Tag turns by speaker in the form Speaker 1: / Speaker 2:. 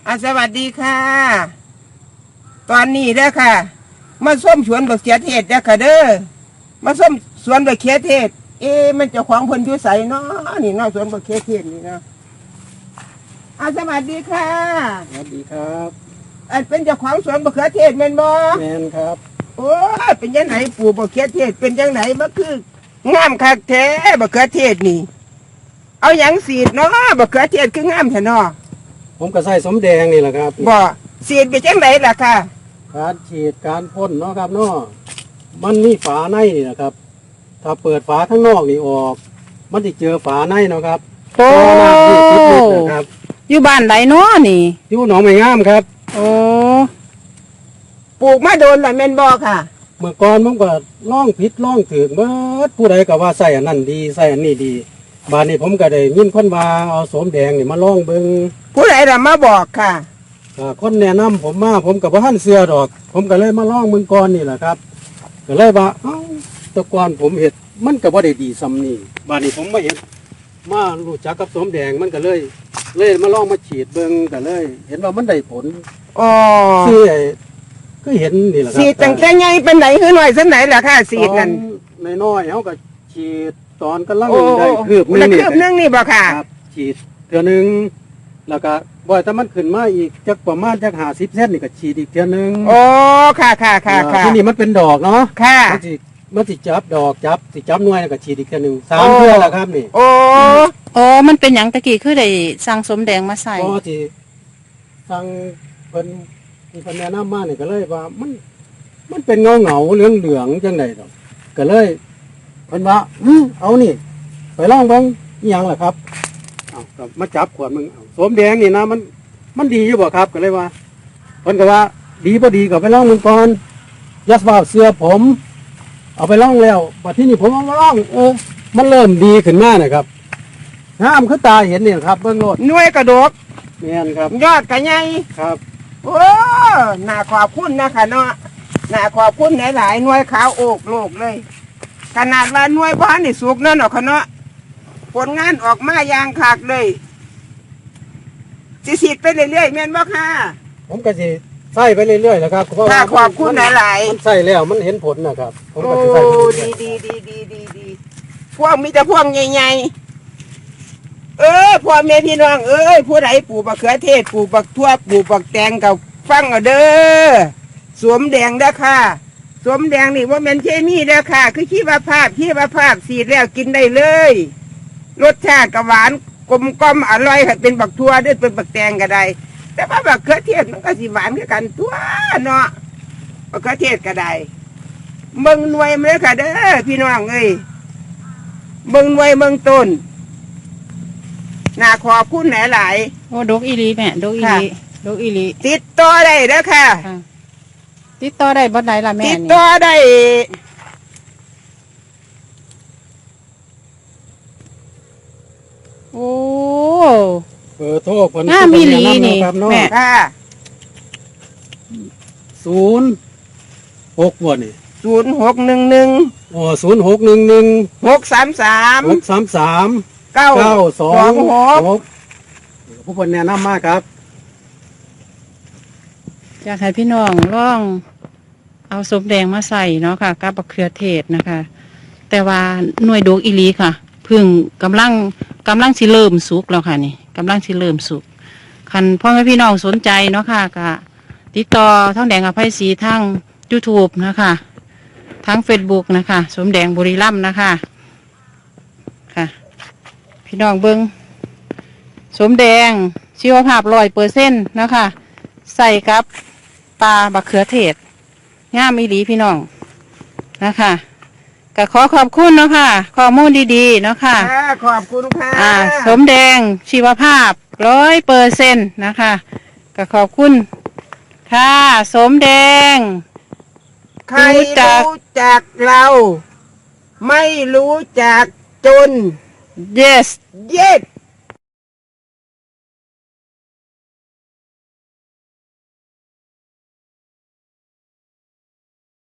Speaker 1: สวัสดีค่ะตอนนี้เด้อค่ะมาส้มสวนบักเขือเทศเด้อค่ะเด้อมาส้มสวนบักเขือเทศมันเจ้าของเพิ่นอยู่ไสเนาะนี่เนาะสวนบักเขือเทศนี่เนาะสวัสดีค่ะ
Speaker 2: สวัสดีครับ
Speaker 1: เป็นเจ้าของสวนบักเขือเทศแม่นบ่
Speaker 2: แมนครับ
Speaker 1: โอ้ยเป็นจังไหนปลูกบักเขือเทศเป็นจังไหนมันคืองามคักแท้บักเขือเทศนี่เอาหยังสีดเนาะบักเขือเทศคืองามแท้เนาะ
Speaker 2: ผมก็ใส่สมแดงนี่แหละครับ
Speaker 1: บ่สีดไปจังไหนล่ะค่ะ
Speaker 2: การฉีดการพ่นเนาะครับเนาะมันมีฝาในนี่นะครับถ้าเปิดฝาข้างนอกนี่ออก มันจะเจอฝาในเนาะครับ
Speaker 3: โอ้
Speaker 2: ครับ
Speaker 3: อยู่บ้านไหนเนาะนี่
Speaker 2: อยู่หนองไม้งามครับ
Speaker 3: โอ้
Speaker 1: ปลูกมาโดนละแม่นบ่ค่ะ
Speaker 2: เมื่อก่อนผมก็ล่องผิดล่องถึงเบิดผู้ใดก็ว่าใส่อันนั้นดีใส่อันนี้ดีบานนี้ผมก็ได้ยินคนว่าเอาสมแดงนี่มาล่องเบิ่ง
Speaker 1: ผู้ใดล่ะมาบอกค่ะ
Speaker 2: คนแนะนำผมมาผมกับท่านเสือดอก ผมก็เลยมาล่องเมืองก่อนนี่แหละครับก็เลยว่าตะกอนผมเห็ดมันก็บ่ได้ดีซ้ำนี่บานนี้ผมมาเห็นมารู้จักกับสมแดงมันก็เลยมาล่องมาฉีดเบิ่งก็เลย เห็นว่ามันได้ผล
Speaker 1: อ๋อ
Speaker 2: คือก็เห็นนี่แหละครับ
Speaker 1: สีดตั้งแต่ใหญ่เป็นไหนคือหน่อยสักไหนล่ะค่ะสีดนั่น
Speaker 2: น้อยๆเขาก็ฉีดตอนกำลังได้คืบ
Speaker 1: นึงนี่บ่ค่ะ
Speaker 2: ครับฉีดเทื่อนึงแล้วก็บ่อยถ้ามันขึ้นมาอีกจักประมาณจัก50 เซนนี่ก็ฉีดอีกเทื่อนึง
Speaker 1: โอ้ค่ะ
Speaker 2: ที่นี่มันเป็นดอกเนาะ
Speaker 1: ค่ะ
Speaker 2: มันสิจับดอกสิจับหน่วยก็ฉีดอีกเทื่อนึง3 เทื่อแล้วครับนี่
Speaker 3: โอ้มันเป็นหยังตะกี้คือได้สั่งสมแดงมาใส่
Speaker 2: ก็ที่สั่งเพิ่นที่เพิ่นแนะนำมานี่ก็เลยว่ามันเป็นเงาเหลืองจังได๋ดอกก็เลยเพิ่นว่าเอานี่ไปลองเบิ่งอีหยังล่ะครับก็มาจับขวดมึงสมแดงนี่นะมันดีอยู่บ่ครับก็เลยว่าเพิ่นก็ว่าดีบ่ดีก็ไปลองมึงก่อนยัสว่าเสื้อผมเอาไปลองแล้วบัดที่นี่ผมเอามาลองมันเริ่มดีขึ้นมานะครับงามคือตาเห็นนี่ครับเบิ่งโลด
Speaker 1: หน่วยกระดก
Speaker 2: แม่นครับ
Speaker 1: ยอดกระใหญ่
Speaker 2: ครับ
Speaker 1: โอ้น่าขอบคุณนะคะเนาะน่าขอบคุณหลายๆหน่วยขาวโอกโลกเลยขนาดว่าหน่วยบ้านนี่สุกนั่นหรอกเนาะผลงานออกมาอย่างคักเลยสิไปเรื่อยๆแม่นบ่ค่ะ
Speaker 2: ผมก็สิใส่ไปเรื่อยๆนะครับเพราะว่า
Speaker 1: ขอบคุณหลาย
Speaker 2: ๆมันใส่แล้วมันเห็นผลนะครับผม
Speaker 1: ก็สิใส่ดีพวกมีแต่พวกใหญ่ๆพ่อแม่พี่น้องผู้ใดปลูกบักเขือเทศปลูกบักทั่วปลูกบักแตงกับฟังเอาเด้อสวมแดงเด้อค่ะสวมแดงนี่ว่ามันเคมีเด้อค่ะคือชีวภาพสีดแล้วกินได้เลยรสชาติก็หวานกลมกล่อมอร่อยเป็นบักทั่วด้วยเป็นบักแตงก็ได้แต่ว่าบักเขือเทศมันก็สิหวานคือกันตัวเนาะบักเขือเทศก็ได้เบิ่งหน่วยมันเลยค่ะเด้อพี่น้องเบิ่งหน่วยเบิ่งต้นน่าขอบคุณหลาย
Speaker 3: โอ้ดกอีหลีแม่ดกอีหลี
Speaker 1: ติดต่อได้เด้อค่ะ
Speaker 3: ติดต่อได้บ่ได้ล่ะแม่
Speaker 1: ติดต่อได้
Speaker 3: โอ้
Speaker 2: โทษผล
Speaker 3: มีหลีนี่แม่
Speaker 1: ค่ะ
Speaker 2: 06บ่นี่
Speaker 1: 0611
Speaker 2: อ๋อ0611
Speaker 1: 633
Speaker 2: 926ผู้คนแนะนำมากครับ
Speaker 3: อยากให้พี่น้องลองเอาสมแดงมาใส่เนาะค่ะกับบักเขือเทศนะคะแต่ว่าหน่วยดกอีหลีค่ะพึ่งกำลังสิเริ่มสุกแล้วค่ะนี่กำลังสิเริ่มสุกคันพ่อแม่พี่น้องสนใจเนาะค่ะก็ติดต่อทั้งแดงอภัยศรีทั้ง YouTube นะคะทั้ง Facebook นะคะสมแดงบุรีรัมย์นะคะค่ะพี่น้องเบิ้งสมแดงชีวภาพ100%นะคะใส่กับปลาบักเขือเทศงามอีหลีพี่น้องนะคะก็ขอบคุณเนาะค่ะข้อมูลดีๆเนาะค่ะ
Speaker 1: ขอบคุณค่ะ
Speaker 3: สมแดงชีวภาพ100%นะคะก็ขอบคุณค่ะสมแดง
Speaker 1: ใครรู้จักเราไม่รู้จักจน
Speaker 3: yes